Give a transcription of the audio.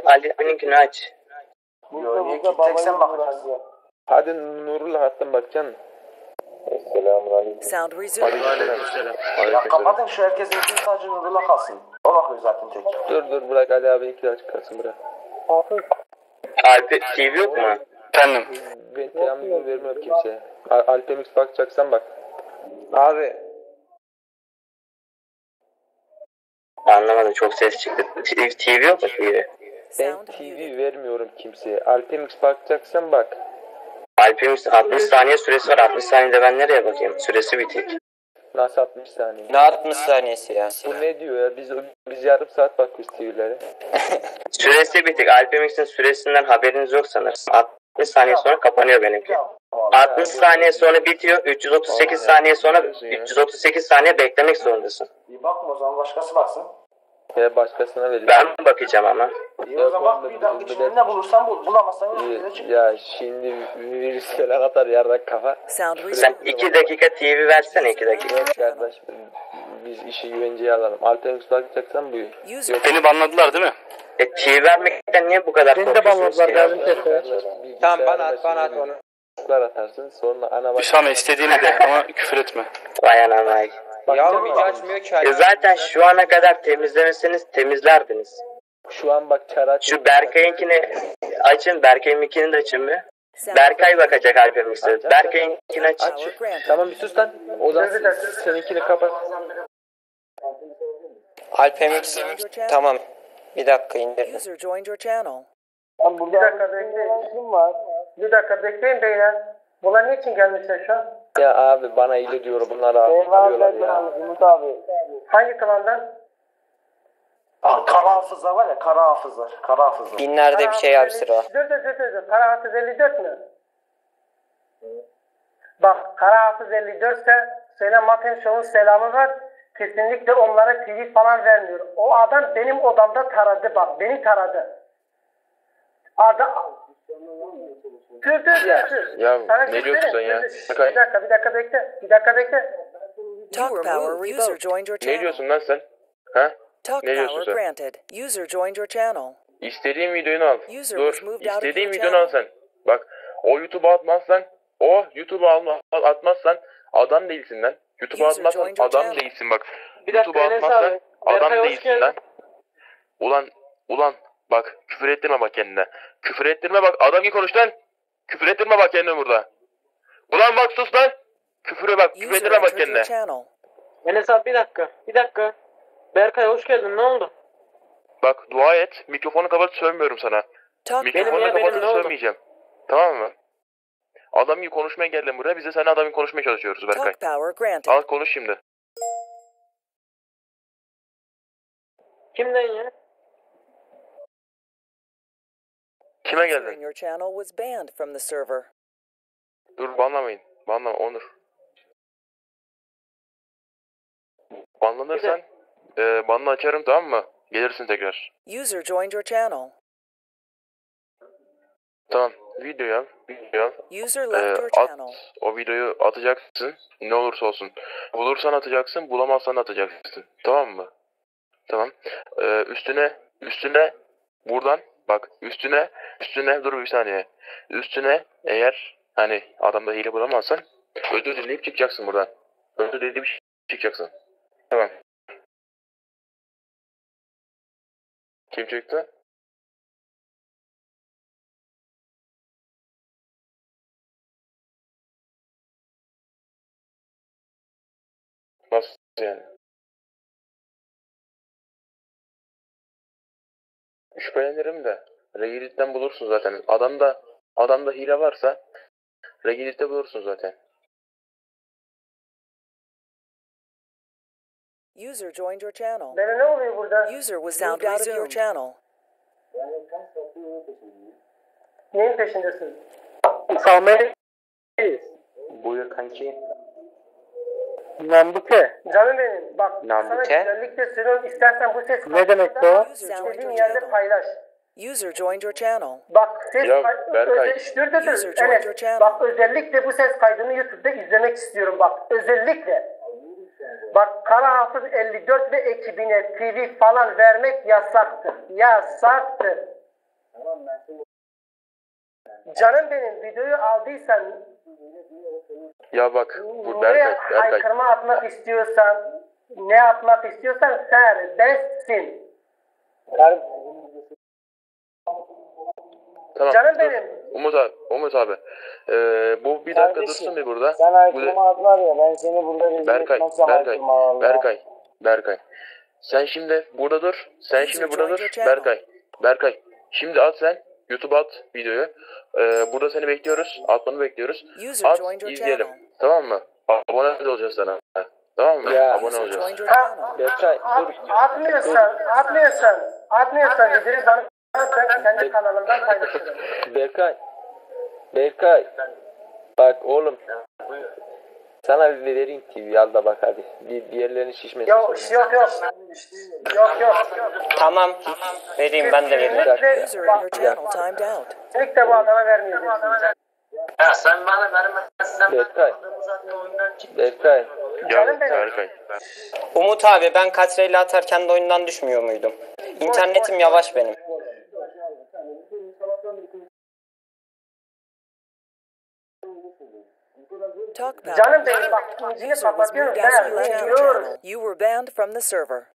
Ali'ninkini aç. Yo, niye ki tek sen bakacaksın? Hadi Nurullah hattın bakacaksın. Selamünaleyküm. Sound resumed. Aleykümselam. Ya kapatın şu herkesin için sadece Nurullah kalsın. O bakıyor zaten tek. Dur bırak Ali abininki de açık kalsın bırak. Alp TV yok mu? Efendim. Ben teamini vermiyorum kimseye. Alpemix bakacaksan bak. Abi. Anlamadım, çok ses çıktı. TV yok mu TV? Ben TV vermiyorum kimseye. Alpemix bakacaksan bak. Alp'in 60 saniye süresi var. 60 saniyede ben nereye bakayım? Süresi bitik. Nasıl 60 saniye? Ne 60 saniyesi ya? Bu ne diyor ya? Biz yarım saat bakıyoruz TV'lere. Süresi bitik. Alp'in süresinden haberiniz yok sanırım. 60 saniye sonra kapanıyor benimki. 60 saniye sonra bitiyor. 338 saniye sonra 338 saniye beklemek zorundasın. İyi bakma o zaman başkası baksın. Ya başkasına verin. Ben bakacağım ama. İyi o zaman bak bir dakika içinde ne bulursan bul. Bulamazsan Ya şimdi virüsler atar yarrak kafa. Sound Sen resumed. 2 dakika TV versene 2 dakika. Evet kardeş biz işi güvenceye alalım. Alpemix bakacaksan buyur. User Beni banladılar değil mi? TV vermekten niye bu kadar korkuyorsunuz ki? Tamam bana at onu. Atarsın sonra ana Hüsame istediğini de ama küfür etme. Vay anam vay. Yavrum hiç açmıyor ki. Zaten şu ana kadar temizlemeseniz temizlerdiniz. Şu an bak çara Şu Berkay'ınkini açın. Berkay'ınkini de açın bir. Berkay bakacak Alpemix'e. Berkay'ınkini aç. power granted. Tamam bir sus lan. O zaman seninkini kapat. Alpemix. Tamam. Bir dakika indirdim. User joined your channel. Bir dakika bekleyin. İşim var. Bir dakika bekleyin beyler. Bunlar niçin gelmişler şu an? Ya abi bana iyi diyor bunlar arıyorlar ya. Umut abi. Hangi klandan? Kara hafızlar var ya, kara hafızlar. Kara hafızlar. Binlerde bir şey abi sıra. Dur. Kara Hafız 54 mü? Bak Kara Hafız 54 ise söyle Maten Show'un selamı var. Kesinlikle onlara TV falan vermiyor. O adam benim odamda taradı bak. Beni taradı. Dur. Ya Sana ne diyorsun sen ya? Bir dakika bekle. Talk power user joined your Ne channel. diyorsun lan sen? Ha? Talk Ne diyorsun power sen? granted. User joined your channel. İstediğin videonu al. User Dur. was moved out of İstediğin your videonu al channel. sen. Bak o YouTube'a atmazsan atmazsan adam değilsin lan. YouTube'a User atmazsan joined your adam channel. değilsin bak. Bir dakika, YouTube'a Enes atmazsan abi. adam Berkay, hoş değilsin lan. Ulan bak küfür ettirme bak kendine. Küfür ettirme bak adam gibi konuş lan. Küfür ettirme bak kendine burada. Ulan bak sus lan. Küfür User ettirme bak entered kendine. your channel. Enes abi bir dakika. Berkay hoş geldin, ne oldu? Bak dua et. Mikrofonu kapat sövmüyorum sana. Talk Mikrofonu ya, benim kapatıp ne oldu? sövmeyeceğim. Tamam mı? Adam gibi konuşmaya geldim buraya. Biz de seninle adam gibi konuşmaya çalışıyoruz Berkay. Talk power granted. Al konuş şimdi. Kimden ya? Kime User in geldin? your channel was banned from the server. Dur banlamayın. Banlama Onur. Banlanırsan banla açarım tamam mı? Gelirsin tekrar. User joined your channel. Tamam. Videoyu al. User left your At. channel. O videoyu atacaksın. Ne olursa olsun. Bulursan atacaksın. Bulamazsan atacaksın. Tamam mı? Tamam. Üstüne buradan bak üstüne dur bir saniye. Üstüne eğer hani adamda hile bulamazsan özür dileyip çıkacaksın buradan. Özür dileyip çıkacaksın. Tamam. Kim çıktı? Nasıl yani? Şüphelenirim de. Reddit'ten bulursun zaten. Adamda hile varsa Reddit'te bulursun zaten. User joined your channel. Bana ne oluyor burada? User was moved out of your channel. Neyin peşindesin? Sami. Buyur kanki. Nambuke. Canım benim bak Nambuke? sana özellikle söylüyorum istersen bu ses Ne demek bu? istediğin yerde paylaş. User joined your channel. Bak ses Ya, Berkay. User joined your channel. Bak özellikle bu ses kaydını YouTube'da izlemek istiyorum bak özellikle. Bak Kara Hafız 54 ve ekibine TV falan vermek yasaktır. Yasaktır. Canım benim, videoyu aldıysan Ya bak bu nereye Berkay. aykırma atmak istiyorsan, ne yapmak istiyorsan serbestsin. Tamam. Canım dur. benim. Umut abi. Bu bir dakika dursun bir burada. Sen aykırma atlar ya, ben seni burada rezil Berkay, etmezsem aykırma valla. Berkay. Sen şimdi burada dur. Sen şimdi burada dur. Berkay. Şimdi at sen. YouTube'a at videoyu. Burada seni bekliyoruz. Atmanı bekliyoruz. User At joined your izleyelim. channel. Tamam mı? Abone olacağız sana. Tamam mı? Ya. Abone User olacağız. joined your Ha, channel. Berkay dur. atmıyorsan videoyu bana ben kendi kanalımdan paylaşırım. Berkay. Bak oğlum. Sana bir vereyim TV al da bak hadi. Bir yerlerin şişmesin Yok sonra. yok. Tamam. Vereyim ben de vereyim. Kesinlikle User in bak, your channel timed out. kesinlikle bu adama vermeyeceksin. Berkay. Canım benim. Berkay. Umut abi ben katreyle atarken de oyundan düşmüyor muydum? İnternetim yavaş benim. Talk Canım power. benim bak incini User was kapatıyorum moved out of your ben channel. biliyorum. You were banned from the server.